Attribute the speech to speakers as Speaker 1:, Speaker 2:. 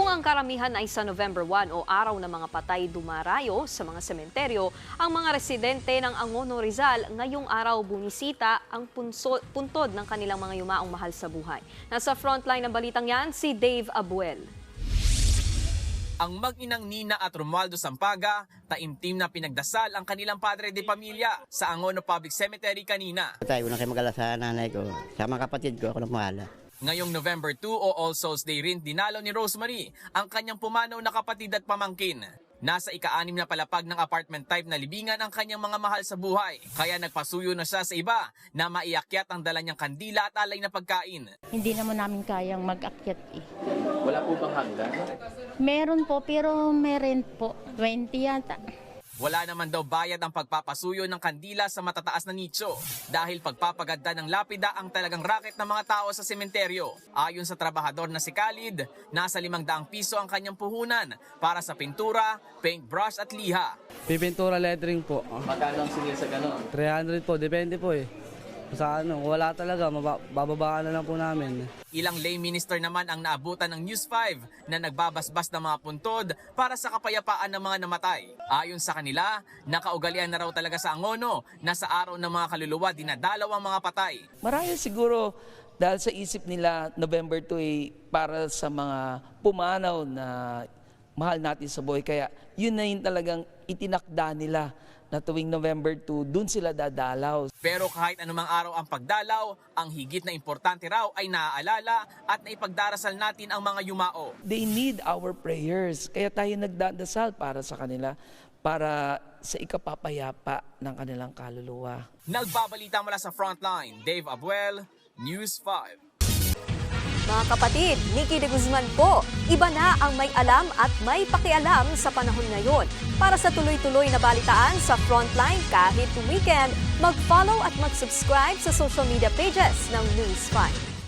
Speaker 1: ang karamihan ay sa November 1 o araw ng mga patay dumarayo sa mga sementeryo, ang mga residente ng Angono, Rizal ngayong araw bumisita ang puntod ng kanilang mga yumaong mahal sa buhay. Nasa frontline ng balitang yan si Dave Abuel.
Speaker 2: Ang mag-inang Nina at Romualdo Sampaga, taimtim na pinagdasal ang kanilang padre de pamilya sa Angono Public Cemetery kanina.
Speaker 3: Tayo na kayo mag-ala sa nanay ko, sa mga kapatid ko, ako na mahala.
Speaker 2: Ngayong November 2 o All Souls Day rin dinalaw ni Rosemary ang kanyang pumanaw na kapatid at pamangkin. Nasa ika-6 na palapag ng apartment type na libingan ang kanyang mga mahal sa buhay. Kaya nagpasuyo na siya sa iba na maiakyat ang dala niyang kandila at alay na pagkain.
Speaker 4: Hindi naman namin kayang mag-akyat eh.
Speaker 2: Wala po bang hagdan?
Speaker 4: Meron po pero may rent po. 20 yata.
Speaker 2: Wala naman daw bayad ang pagpapasuyo ng kandila sa matataas na nicho dahil pagpapaganda ng lapida ang talagang racket ng mga tao sa sementeryo. Ayon sa trabahador na si Khalid, nasa 500 piso ang kanyang puhunan para sa pintura, paintbrush at liha.
Speaker 5: Pipintura lettering po.
Speaker 2: Magkano ang singil sa ganon?
Speaker 5: 300 po, depende po eh. Sa ano, wala talaga, bababaan na lang po namin.
Speaker 2: Ilang lay minister naman ang naabutan ng News 5 na nagbabasbas ng mga puntod para sa kapayapaan ng mga namatay. Ayon sa kanila, nakaugalian na raw talaga sa Angono na sa araw ng mga kaluluwa dinadalaw ang mga patay.
Speaker 6: Marahil siguro dahil sa isip nila November 2 ay para sa mga pumanaw na mahal natin sa buhay. Kaya yun na yun talagang itinakda nila na tuwing November 2, dun sila dadalaw.
Speaker 2: Pero kahit anumang araw ang pagdalaw, ang higit na importante raw ay naaalala at naipagdarasal natin ang mga yumao.
Speaker 6: They need our prayers. Kaya tayo nagdadasal para sa kanila, para sa ikapapayapa ng kanilang kaluluwa.
Speaker 2: Nagbabalita mula sa Frontline, Dave Abuel, News 5.
Speaker 1: Mga kapatid, Nikki de Guzman po. Iba na ang may alam at may pakialam sa panahon ngayon. Para sa tuloy-tuloy na balitaan sa Frontline kahit weekend, mag-follow at mag-subscribe sa social media pages ng News 5.